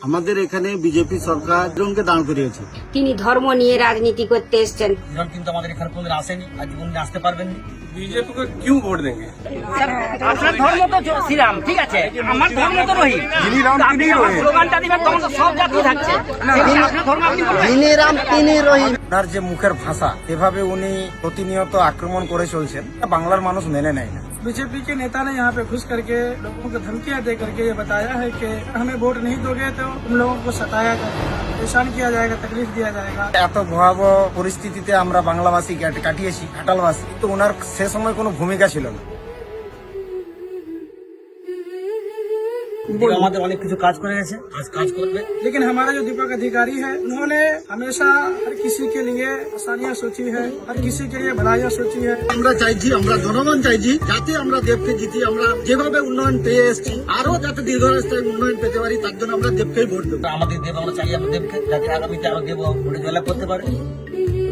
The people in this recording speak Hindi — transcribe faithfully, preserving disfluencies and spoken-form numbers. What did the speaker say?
আমাদের এখানে বিজেপি সরকার জনকে দাঁড় করিয়েছে। তিনি ধর্ম নিয়ে রাজনীতি করতে এসছেন। কিন্তু আমাদের এখানে কোনদিন আসেনি, আর জীবন আসতে পারবেন না। बीजेपी को क्यों वोट देंगे? আপনার ধর্ম তো শ্রীরাম, ঠিক আছে, আমার ধর্ম তো রহিম। যিনি রাম তিনি রহিম। স্লোগানটা দিবেন তখন তো সব জাতি থাকছে। আপনার ধর্ম আপনি বলবেন। যিনি রাম তিনি রহিম। তার যে মুখের ভাষা, এভাবে উনি প্রতিনিয়ত আক্রমণ করে চলছেন, বাংলার মানুষ মেনে নেয় না। बीजेपी के नेता ने यहाँ पे घुस करके लोगों को धमकियां दे करके ये बताया है कि हमें वोट नहीं दोगे तो तुम लोगों को सताया जाएगा, परेशान किया जाएगा, तकलीफ दिया जाएगा। এত ভয়াবহ পরিস্থিতিতে আমরা বাংলাবাসী কাট- কাটিয়েছি, ঘাটালবাসী, কিন্তু ওনার সে সময় কোনো ভূমিকা ছিল না। তিনি আমাদের অনেক কিছু কাজ করে গেছে, আজ কাজ করবে। लेकिन हमारा जो दीपक अधिकारी है, उन्होंने हमेशा हर किसी के लिए आसानियां सोची है, हर किसी के लिए भलाइयां सोची है। আমরা চাইছি, আমরা জনগণ চাইছি যাতে আমরা দেবকে জিতি, আমরা যেভাবে উন্নয়ন পেয়ে এসেছি আরো যাতে দীর্ঘস্থায়ী উন্নয়ন পেতে পারি, তার জন্য আমরা দেবকেই ভোট দেবো। আমাদের দেব, আমরা চাই আমরা দেবকে, যাতে আগামীতে আরো দেব ভোটে জয়লাভ করতে পারে।